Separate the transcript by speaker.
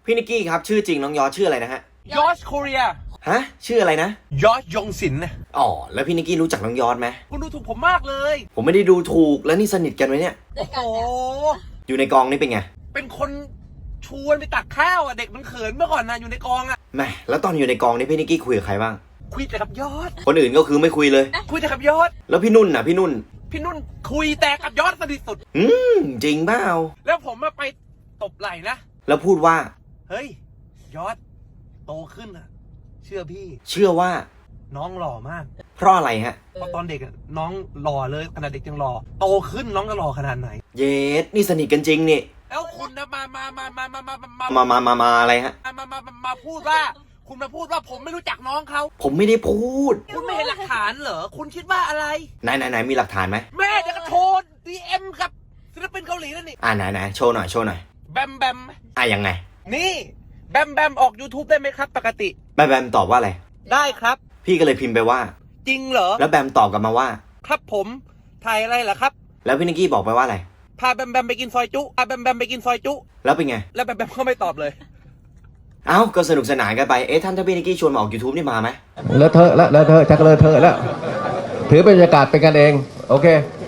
Speaker 1: พี่นิกกี้ครับชื่อจริงน้องยอชื่ออะไรนะฮะ
Speaker 2: ยอชโคเรีย
Speaker 1: ฮะชื่ออะไรนะ
Speaker 2: ยอชยงศิลป์นะ
Speaker 1: อ๋อแล้วพี่นิกกี้รู้จักน้องยอไหม
Speaker 2: คุณดูถูกผมมากเลย
Speaker 1: ผมไม่ได้ดูถูกแล้วนี่สนิทกันไหมเนี่ย
Speaker 2: โอ้โห
Speaker 1: อยู่ในกองนี่เป็นไง
Speaker 2: เป็นคนชวนไปตักข้าวอ่ะเด็กมันเขินเมื่อก่อนนะอยู่ในกองอ่ะ
Speaker 1: แหมแล้วตอนอยู่ในกองนี่พี่นิกกี้คุยกับใครบ้าง
Speaker 2: คุยแต่กับยอด
Speaker 1: คนอื่นก็คือไม่คุยเลย
Speaker 2: คุยแต่กับยอด
Speaker 1: แล้วพี่นุ่นน่ะพี่นุ่น
Speaker 2: คุยแต่กับยอดสนิทสุด
Speaker 1: จริงเปล่า
Speaker 2: แล้วผมมาไปตบไหล่นะ
Speaker 1: แล้วพูดว่า
Speaker 2: เฮ้ยยอดโตขึ้นอ่ะเชื่อพี่
Speaker 1: เชื่อว่า
Speaker 2: น้องหล่อมาก
Speaker 1: เพราะอะไรฮะ
Speaker 2: เพราะตอนเด็กน้องหล่อเลยขนาดเด็กยังหล่อโตขึ้นน้องก็หล่อขนาดไหน
Speaker 1: เยสนี่สนิทกันจริงนี่
Speaker 2: แล้วคุณนะมา
Speaker 1: อะไรฮะ
Speaker 2: มาพูดว่าคุณมาพูดว่าผมไม่รู้จักน้องเขา
Speaker 1: ผมไม่ได้พูด
Speaker 2: คุณไม่เห็นหลักฐานเหรอคุณคิดว่าอะไร
Speaker 1: ไหนมีหลักฐานไหม
Speaker 2: แม่เดี๋ยวก็โทร DM กับศิลปินเกาหลีนั่นนี่
Speaker 1: ไหนโชว์หน่อย
Speaker 2: แบม
Speaker 1: ยังไง
Speaker 2: นี่แบมออก YouTube ได้ไหมครับปกติ
Speaker 1: แบมตอบว่าอะไร
Speaker 2: ได้ครับ
Speaker 1: พี่ก็เลยพิมพ์ไปว่า
Speaker 2: จริงเหรอ
Speaker 1: แล้วแบมตอบกลับมาว่า
Speaker 2: ครับผมถ่ายอะไรเหรอครับ
Speaker 1: แล้วพี่นิกกี้บอกไปว่าอะไร
Speaker 2: พาแบมไปกินซอยจุไปกินซอยจุ
Speaker 1: แล้วเป็นไง
Speaker 2: แล้วแบมก็ไม่ตอบเลย
Speaker 1: เอ้าก็สนุกสนานกันไปท่านถ้าพี่นิกกี้ชวนมาออก YouTube นี่มาไหม
Speaker 3: เลอะเทอะแล้วชักเลอะเทอะแล้วถือบรรยากาศเป็นกันเองโอเค